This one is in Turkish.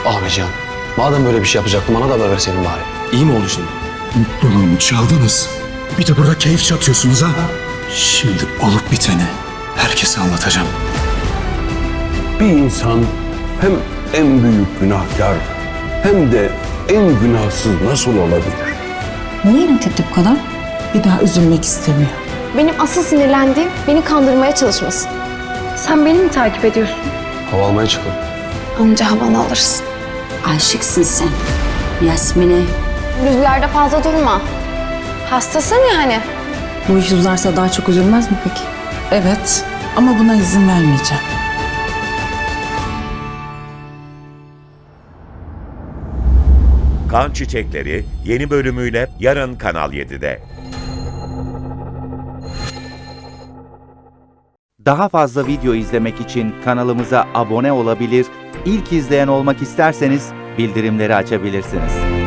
Ahmetcan, madem böyle bir şey yapacaktın bana da haber verseydin bari. İyi mi oldu şimdi? Mutluluğumu çaldınız. Bir de burada keyif çatıyorsunuz ha. Şimdi olup biteni herkese anlatacağım. Bir insan hem en büyük günahkar hem de en günahsız nasıl olabilir? Niye inat etti bu kadar? Bir daha üzülmek istemiyor. Benim asıl sinirlendiğim beni kandırmaya çalışması. Sen beni mi takip ediyorsun? Hava almaya çıkalım. Anca havanı alırsın. Aşıksın sen. Yasmin'e. Rüzgarda fazla durma. Hastasın yani. Bu iş uzarsa daha çok üzülmez mi peki? Evet ama buna izin vermeyeceğim. Kan Çiçekleri yeni bölümüyle yarın Kanal 7'de. Daha fazla video izlemek için kanalımıza abone olabilir, ilk izleyen olmak isterseniz bildirimleri açabilirsiniz.